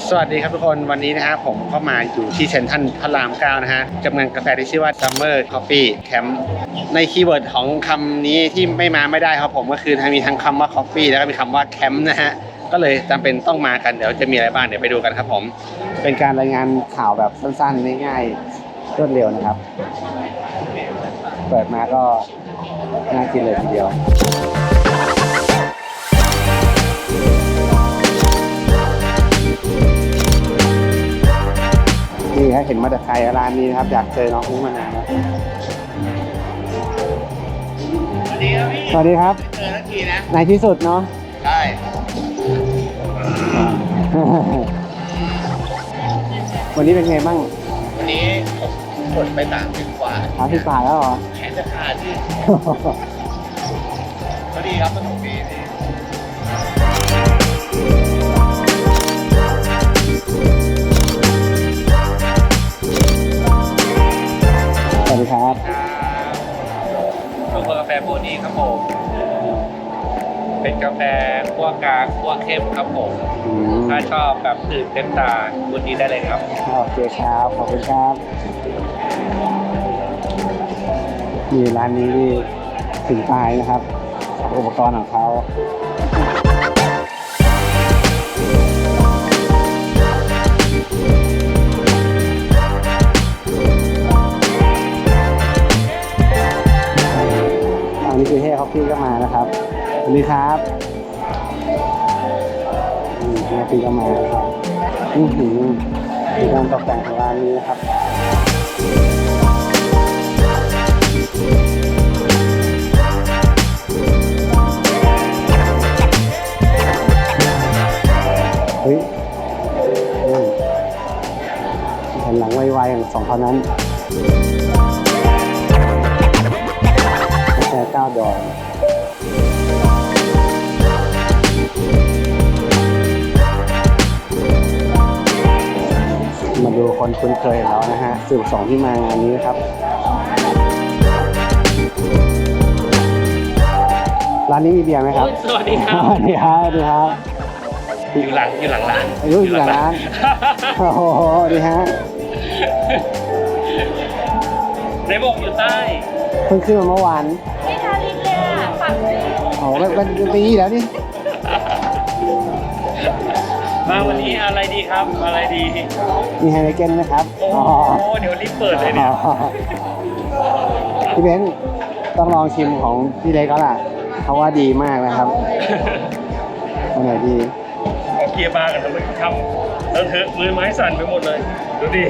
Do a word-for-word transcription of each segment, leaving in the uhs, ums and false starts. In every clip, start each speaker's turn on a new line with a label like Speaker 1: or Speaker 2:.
Speaker 1: สวัสดีครับทุกคนวันนี้นะฮะผมก็มาอยู่ที่เซ็นทรัลพระรามเก้านะฮะจำเนินกาแฟที่ชื่อว่า Summer Coffee Camp ในคีย์เวิร์ดของคำนี้ที่ไม่มาไม่ได้ครับผมก็คือมีทั้งคำว่า Coffee แล้วก็มีคำว่า Camp นะฮะก็เลยจำเป็นต้องมากันเดี๋ยวจะมีอะไรบ้างเดี๋ยวไปดูกันครับผมเป็นการรายงานข่าวแบบสั้นๆง่ายๆรวดเร็วนะครับเปิดมาก็น่ากินเลยทีเดียวนี่ครับเห็นมาแต่ไกลร้านนี้นะครับอยากเจอน้องอุ้งมานานแล้วสวัสดีครับพี่สวัสดีครับเจอทันทีนะในที่สุดเนาะใช่วันนี้เป็นไงบ้างวันนี้ผมกดไปสามสิบกว่าสามสิบกว่าแล้วเหรอแขนจะขาดที่พอดีครับสนุกดีพี่สวัสดีครับ
Speaker 2: ชงกาแฟพวกนี้ครับผมเป็นกาแฟคั่วกลางคั่วเข้มครับผมถ้าชอบแบบตื่นเต้นตาบุญนี้ได้เลยครับ
Speaker 1: โอเคครับขอบคุณครับนี่ร้านนี้นี่ถึงตายนะครับอุปกรณ์ของเขาอันนี้คือเฮ่คอฟฟี่ก็มานะครับสวัสดีครับเฮ่คอฟฟี่ก็มาครับนี่ถึงการตกแต่งของร้านนี้นะครับเฮ้ยเห็นหลังไวๆของสองคนนั้นแค่เก้าดอกมาดูคนคุ้นเคยแล้วนะฮะสื่อสองที่มางานนี้นะครับร้านนี้มีเบียร์ไหมครับ
Speaker 2: สวัสดีครับ
Speaker 1: สวัสดีครับสวัสดีครับ
Speaker 2: อยู่หลังอยู่หลังร้าน
Speaker 1: อยู่หลังร้านโอ้โหดีฮะ
Speaker 2: ในบอกอยู่ใต้
Speaker 1: เพิ่งขึ้นมาเมื่อวาน
Speaker 3: ไม่ทาลิปเลยอ่ะปักเลย
Speaker 1: โอ้โหเป็นปีแล้วนี่
Speaker 2: มาวันนี้อะไรดีครับอะไรดี
Speaker 1: มีไฮไลเกนไหมครับ
Speaker 2: โอ้โหเดี๋ยวรีบเปิดเลยเนี่ย
Speaker 1: พี่เบนซ์ต้องลองชิมของพี่เล็กก็ล่ะเขาว่าดีมากนะครับอันไหนดี
Speaker 2: เกียร์บาร์กันทำไมทำแล้วเถอะมือไม้สั่นไปหมดเลยดูดิ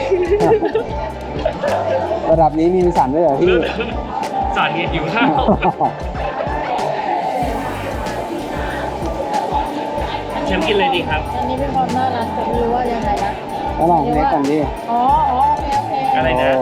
Speaker 1: ระดับนี้มีสั่นด้วยเหรอพี่
Speaker 2: สั่นเงี้ยอยู่ข้าวเชมกินเลยดีครับ
Speaker 3: อันนี้เป็นความน่ารักแต่ไม่รู้ว่ายังไงนะ
Speaker 1: ก็ลองเล็กกันดิ
Speaker 3: อ๋ออ๋อโอเคโอเค
Speaker 2: อะไรนะ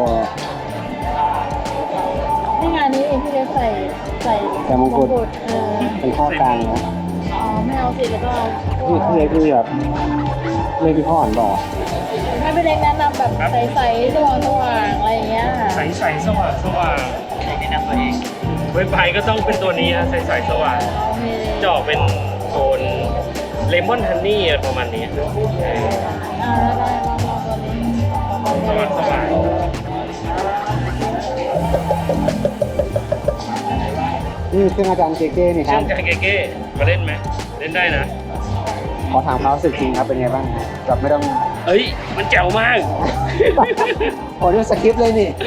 Speaker 3: นี่งานนี้เองที่เล็กใส่ใส่
Speaker 1: ใส่มงกุฎเป็นข้อกลางนะ
Speaker 3: อ๋อไม่เอาสิแล้วก็
Speaker 1: นี่พี่เล็กคือแบบเล็กพี่พ่ออ่อนบอก
Speaker 3: ให้พี่เล็กแนะนำแบบใส่ใส่สว่างสว่างอะไรอย่างเงี้ย
Speaker 2: ใส่ใส่สว่างสว่างแนะนำตัวเองเว็บไซต์ก็ต้องเป็นตัวนี้นะใส่ใส่สว่างจะออกเป็นโทนเลมอนฮันนี่อะไรประมาณนี้
Speaker 3: อ่าได้ลองลองตัวนี้
Speaker 2: สว่างสว่าง
Speaker 1: นี่เครื่องอาจารย์เก๊ๆนี่ครับ
Speaker 2: เครื่องอาจารย์เก๊ๆมาเล่นไหมเล่นได้นะ
Speaker 1: ขอถามความรู้สึกจริงครับเป็นไงบ้างแบบไม่ต้อง
Speaker 2: เอ้ยมันแจ๋วมาก
Speaker 1: โอ้นี่สคริปต์เลยนี่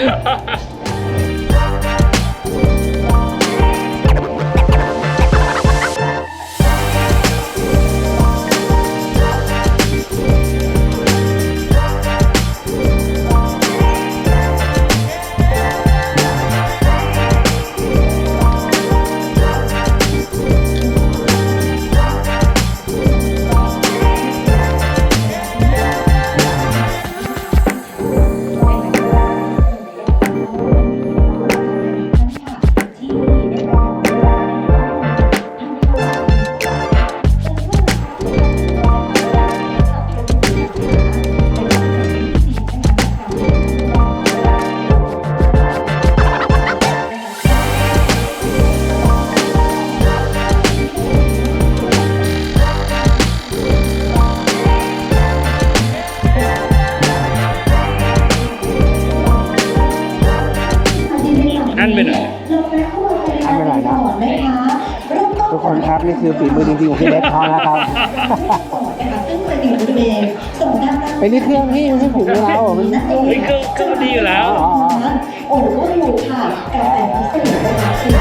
Speaker 1: ครับนี่คือฝีมือจริงๆของพี่เล็กเขานะครับ
Speaker 4: ซึ่งเป็นอยู่บริเวณส่วนด้านหน้า
Speaker 1: เป็นนี่เครื่องพี่ไม่ใช่ฝีมือเรามัน
Speaker 4: นั่นเอง
Speaker 2: เฮ้ยเครื่องเครื่องดีอยู่แล้ว
Speaker 1: อ๋อ
Speaker 4: โอ้โหอยู่ค่ะกาแฟพิเศษนะคะคื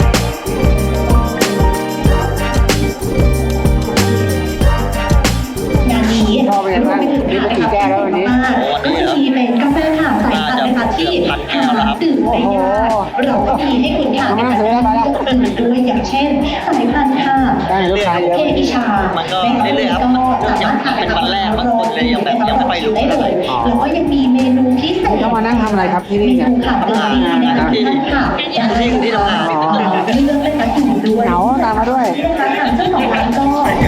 Speaker 4: องานนี้
Speaker 1: ชอบเป็นไงบ้างนี่เป็นกี่แก้วแล้ววันนี้
Speaker 4: ก็จะมีเป็นกาแฟค่ะสายพันธุ์นะคะที่หาดื่มได้ยากเราก็มีให้คุณค่ะในการดื่มด้วยอย่างเช่นสายพันธุ์ค่ะ
Speaker 1: ได้ลูกค้าเยอะ
Speaker 4: เอพิชา
Speaker 5: มันก็เรื่อยๆครับเนื่องจากเป็นวันแรกบางคนเลยยังแบบยังไม่ค่อยรู้
Speaker 4: ได้เลยแล้วก็ยังมีเมนูพิเศษ
Speaker 1: เข้ามานั่งทำอะไรครับที่นี่เนี่ย
Speaker 4: เมค่ะเป็นที่นะคะท่านค่ะ
Speaker 5: ที่ที่ทำงาน
Speaker 4: อ๋อที่เลือกเป็นนักดื่มด้วย
Speaker 1: เหงาตามมาด้วย
Speaker 4: นะคะทางเจ้าของร้านก็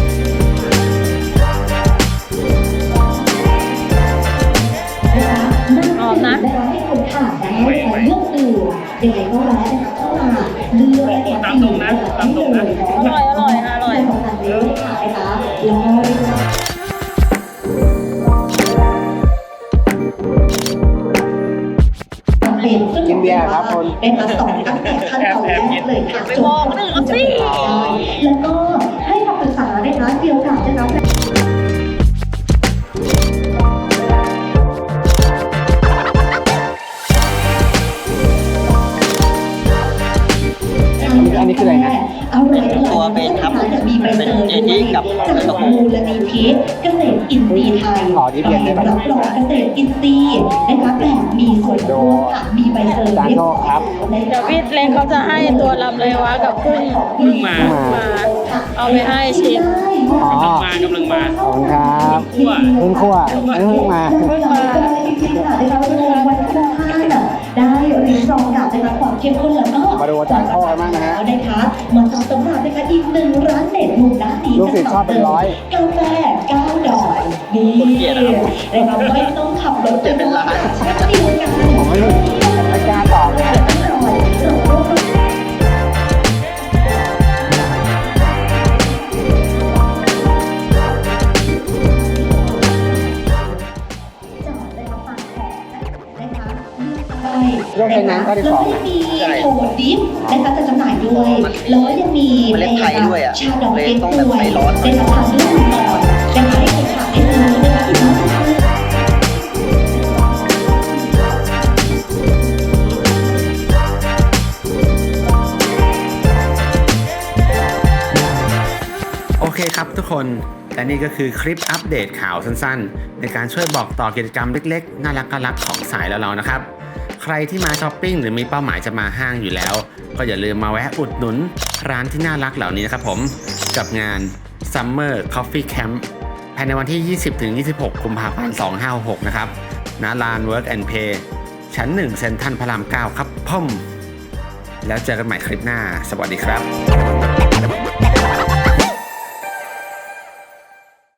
Speaker 4: หอมนะให้คุณค่ะได้เลือกดื่มยังไงก็แวะนะคะเข้ามาเลือกนะคะ
Speaker 2: ตามตรงนะตามตรงนะ
Speaker 3: อร่อยอร่อยอร่อย
Speaker 4: ของทางนี้ค่ะนะคะแล้วก็เป็นซึ่ง
Speaker 1: กินเบียร์ครับคุณ
Speaker 4: เป็นมาสอนตั้งแต่ขั้นตอนแรกเลยค่ะ
Speaker 3: ไปบอกคนอื่นเขาสิ
Speaker 4: แล้วก็ให้คำปรึกษานะคะเกี่ยวกับนะคะ
Speaker 1: อันนี้คืออะไรนะ
Speaker 4: อร่อย
Speaker 5: ตัวเป็นครับ
Speaker 4: มีใบเตย
Speaker 5: เป็นเจนี่กับ
Speaker 4: จากมูลนิธิเกษตรอินทรีย์ไทย
Speaker 1: ขอที่เบียร์ได้ไหม
Speaker 4: รับรองเกษตรอินทรีย์นะคะแบบมีส่วนร่วมค่ะมีใบเตย
Speaker 1: จานโทษครับ
Speaker 3: เดี๋ยวพี่เล็กเขาจะให้ตัวลำเลยวะกับพึ่ง
Speaker 2: พึ่งมา
Speaker 3: มาเอาไปให้ชิม
Speaker 1: อ๋อ
Speaker 2: มากำลังมา
Speaker 1: ขอบคุณครับ
Speaker 2: คั่ว
Speaker 1: เพิ่งคั่วเพิ่งมา
Speaker 4: เพิ่งมาจริงๆค่ะได้รับรางวัลคุ้มค่าน่ะได้ริมรองกับนะคะความเข้มข้นแล้วก็
Speaker 1: มาดูอาจารย์โต้กันบ้างนะฮะ
Speaker 4: นะคะมาต่อสำหรับนะคะอีกหนึ่งร้านเด็ดมุมด้านนี้
Speaker 1: ลูกศิษย์ชอบเป็นร้อย
Speaker 4: กาแฟก้าวดอยนี่
Speaker 5: คนเกลียดอะครับ
Speaker 4: นะคะไม่ต้องขับรถ
Speaker 5: เกลียดเป็นร้าน
Speaker 4: เช่นเดียวกัน
Speaker 1: ผมไม่รู้ไม่กล้าตอบเลย โรคไขน้ำข้อที่สอง
Speaker 4: แล้วก็มีโถดิฟนะคะจะจำหน่ายด้วย แล้วก็ยังมี
Speaker 5: เมล็ดไทยด้วยอะ
Speaker 4: ชาดอกเก็ก
Speaker 5: เลยต้อง
Speaker 4: ด้
Speaker 5: แบบ
Speaker 4: วย
Speaker 5: ไฟร้อน
Speaker 4: ได้รับการเลือกก่อนนะคะให้คุณขาได้ซื้อนะคะอีกมากมาย
Speaker 1: โอเคครับทุกคนและนี่ก็คือคลิปอัปเดตข่าวสั้นๆ ในการช่วยบอกต่อกิจกรรมเล็กๆ น่ารักๆรักของสายแล้วเรานะครับ ใครที่มาช้อปปิ้งหรือมีเป้าหมายจะมาห้างอยู่แล้ว ก็อย่าลืมมาแวะอุดหนุนร้านที่น่ารักเหล่านี้นะครับผมกับงาน Summer Coffee Camp ภายในวันที่ ยี่สิบถึงยี่สิบหก กุมภาพันธ์ สองพันห้าร้อยหกสิบหก นะครับณลาน Work and Play ชั้นหนึ่งเซ็นทรัลพระรามเก้าครับพ่อมแล้วเจอกันใหม่คลิปหน้าสวัสดีครับ